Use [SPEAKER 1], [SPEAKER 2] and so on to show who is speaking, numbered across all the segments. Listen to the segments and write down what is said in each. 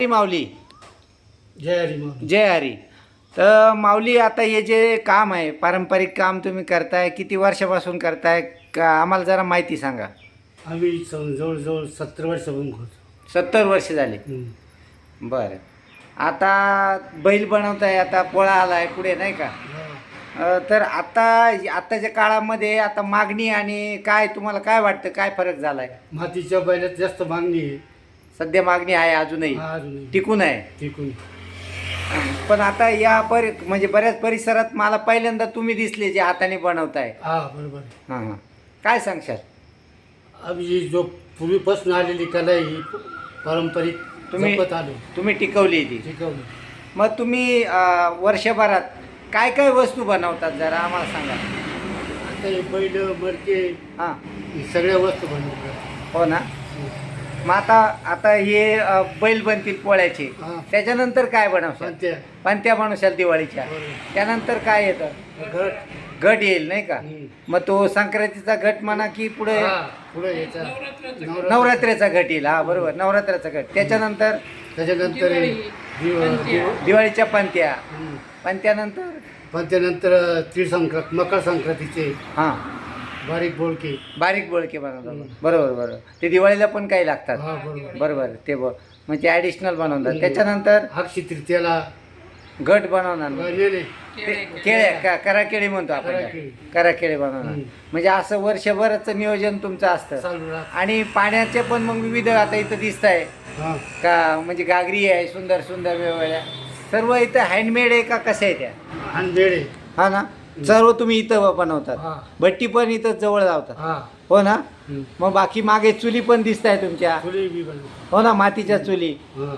[SPEAKER 1] माऊली.
[SPEAKER 2] जय हरी माऊली.
[SPEAKER 1] जय हरी. तर माऊली, आता हे जे काम आहे, पारंपरिक काम तुम्ही करताय, किती वर्षापासून करताय का आम्हाला जरा माहिती सांगा.
[SPEAKER 2] आम्ही जवळजवळ 70 वर्षापासून करतो.
[SPEAKER 1] 70 वर्ष झाले. बरं. आता बैल बनवताय, आता पोळा आलाय पुढे, नाही का? तर आताच्या काळामध्ये आता मागणी आणि काय तुम्हाला काय वाटतं, काय फरक झालाय?
[SPEAKER 2] मातीच्या बैलात जास्त मागणी आहे.
[SPEAKER 1] सध्या मागणी आहे, अजूनही
[SPEAKER 2] अजूनही
[SPEAKER 1] टिकून आहे.
[SPEAKER 2] टिकून.
[SPEAKER 1] पण आता या म्हणजे बऱ्याच परिसरात मला पहिल्यांदा तुम्ही दिसले जे हाताने बनवताय.
[SPEAKER 2] हा बरोबर.
[SPEAKER 1] हां हां, काय सांगशाल?
[SPEAKER 2] आम्ही जो पूर्वीपासून आलेली कला ही पारंपरिक जपत आलो.
[SPEAKER 1] तुम्ही टिकवली ती.
[SPEAKER 2] टिकवली.
[SPEAKER 1] मग तुम्ही वर्षभरात काय काय वस्तू बनवतात जरा आम्हाला सांगा.
[SPEAKER 2] आता हे बैल मडके
[SPEAKER 1] हां,
[SPEAKER 2] हे सगळ्या वस्तू बनवतात.
[SPEAKER 1] हो ना. मग आता हे बैल बनतील पोळ्याचे,
[SPEAKER 2] हां.
[SPEAKER 1] त्याच्यानंतर काय बनवशाल?
[SPEAKER 2] पंत्या.
[SPEAKER 1] पंत्या बनवशाल दिवाळीच्या.
[SPEAKER 2] बरोबर.
[SPEAKER 1] त्यानंतर काय येतं?
[SPEAKER 2] घट.
[SPEAKER 1] घट येईल, नाही का?
[SPEAKER 2] हम्म.
[SPEAKER 1] मग तो संक्रांतीचा घट म्हणा की पुढे
[SPEAKER 2] हा, पुढे याचा
[SPEAKER 1] नवरात्रीचा घट येईल. हा बरोबर, नवरात्राचा घट. त्याच्यानंतर
[SPEAKER 2] त्याच्यानंतर
[SPEAKER 1] दिवाळीच्या पंत्या.
[SPEAKER 2] हम्म.
[SPEAKER 1] पंत्यानंतर
[SPEAKER 2] पंत्यानंतर तीळ मकर संक्रांतीचे
[SPEAKER 1] हां,
[SPEAKER 2] बारीक बोलके.
[SPEAKER 1] बारीक बोळके बनवतात. बरोबर बरोबर. ते दिवाळीला पण काही लागतात.
[SPEAKER 2] हा बरोबर.
[SPEAKER 1] बरोबर. ते म्हणजे ॲडिशनल बनवतात. त्याच्यानंतर
[SPEAKER 2] अक्षय तृतीयाला
[SPEAKER 1] घट बनवणार.
[SPEAKER 2] नेले.
[SPEAKER 1] केळे कराकेळी म्हणतो आपण.
[SPEAKER 2] कराकेळी.
[SPEAKER 1] कराकेळी बनवणार. म्हणजे असं वर्षभराचं नियोजन तुमचं असतं.
[SPEAKER 2] चालू राहत.
[SPEAKER 1] आणि पाण्याचे पण मग विविध आता इथं दिसत आहे
[SPEAKER 2] हा.
[SPEAKER 1] का, म्हणजे घागरी आहे सुंदर सुंदर वेगवेगळ्या. सर्व इथं हँडमेड आहे का कसे आहे त्या?
[SPEAKER 2] आणि बेडे.
[SPEAKER 1] हा ना. सर्व तुम्ही इथं बनवतात.
[SPEAKER 2] हा.
[SPEAKER 1] भट्टी पण इथं जवळ लावतात.
[SPEAKER 2] हा.
[SPEAKER 1] हो ना.
[SPEAKER 2] हम्म.
[SPEAKER 1] मग बाकी मागे चुली पण दिसत आहे तुमच्या.
[SPEAKER 2] फुले बी बनवतो.
[SPEAKER 1] हो ना, मातीच्या चुली.
[SPEAKER 2] हा.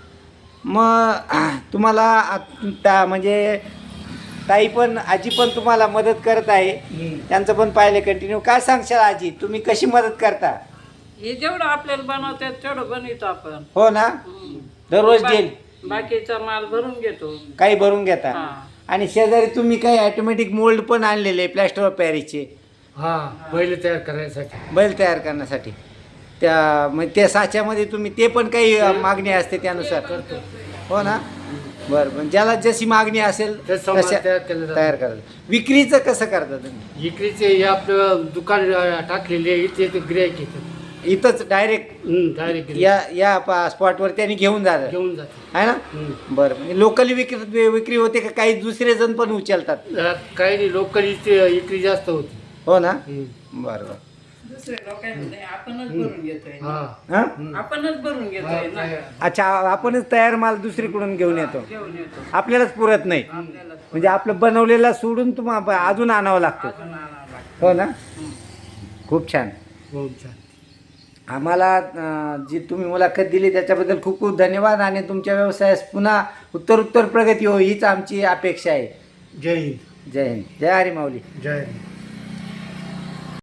[SPEAKER 1] मग तुम्हाला म्हणजे ताई पण, आजी पण तुम्हाला मदत करत आहे.
[SPEAKER 2] हम्म.
[SPEAKER 1] त्यांचं पण पाहिले कंटिन्यू. काय सांगशाल आजी, तुम्ही कशी मदत करता?
[SPEAKER 3] हे जेवढं आपल्याला बनवतात तेवढं बनवतो आपण.
[SPEAKER 1] हो ना. दररोज डेल
[SPEAKER 3] बाकीचा माल भरून घेतो.
[SPEAKER 1] काही भरून घेता.
[SPEAKER 3] हा.
[SPEAKER 1] आणि शेजारी तुम्ही काही ऑटोमॅटिक मोल्ड पण आणलेले प्लॅस्टर ऑफ पॅरिसचे
[SPEAKER 2] हा, बैल तयार करायसाठी.
[SPEAKER 1] बैल तयार करण्यासाठी. म्हणजे त्या साच्यामध्ये तुम्ही ते पण काही मागणी असते त्यानुसार
[SPEAKER 2] करतो.
[SPEAKER 1] हो ना. बरं, पण ज्याला जशी मागणी असेल
[SPEAKER 2] तेच सामान
[SPEAKER 1] तशा
[SPEAKER 2] तयार केलं जातं.
[SPEAKER 1] तयार करायला. विक्रीचं कसं करता तुम्ही?
[SPEAKER 2] इकडेचे हे आपलं दुकान टाकलेले आहे, इथे ते गिऱ्हाईक येतात.
[SPEAKER 1] इथंच डायरेक्ट
[SPEAKER 2] डायरेक्ट
[SPEAKER 1] या स्पॉटवर त्यांनी घेऊन जातात,
[SPEAKER 2] घेऊन जाते.
[SPEAKER 1] आहे ना? बरं, म्हणजे लोकली विक्री होते का काही दुसरे जण पण उचलतात?
[SPEAKER 2] काही नाही, लोकल इथे इकडे जास्त होती.
[SPEAKER 1] हो ना. बरं बरं.
[SPEAKER 3] दुसरे लोकांमध्ये आपणच भरून घेतोय.
[SPEAKER 2] हा.
[SPEAKER 1] हां,
[SPEAKER 3] आपणच भरून घेतोय ना.
[SPEAKER 1] अच्छा, आपणच तयार माल दुसरीकडून घेऊन येतो.
[SPEAKER 3] घेऊन येतो.
[SPEAKER 1] आपल्यालाच पुरत नाही.
[SPEAKER 3] आपल्याला
[SPEAKER 1] म्हणजे आपलं बनवलेला सोडून तुम्हाला अजून आणावं लागतं.
[SPEAKER 3] अजून आणावं लागतं.
[SPEAKER 1] हो ना. खूप छान.
[SPEAKER 2] खूप छान.
[SPEAKER 1] आम्हाला जी तुम्ही मुलाखत दिली त्याच्याबद्दल खूप खूप धन्यवाद. आणि तुमच्या व्यवसायास पुन्हा उत्तर प्रगती हो हीच आमची अपेक्षा आहे.
[SPEAKER 2] जय हिंद.
[SPEAKER 1] जय हिंद. जय हरी माऊली.
[SPEAKER 2] जय हिंद.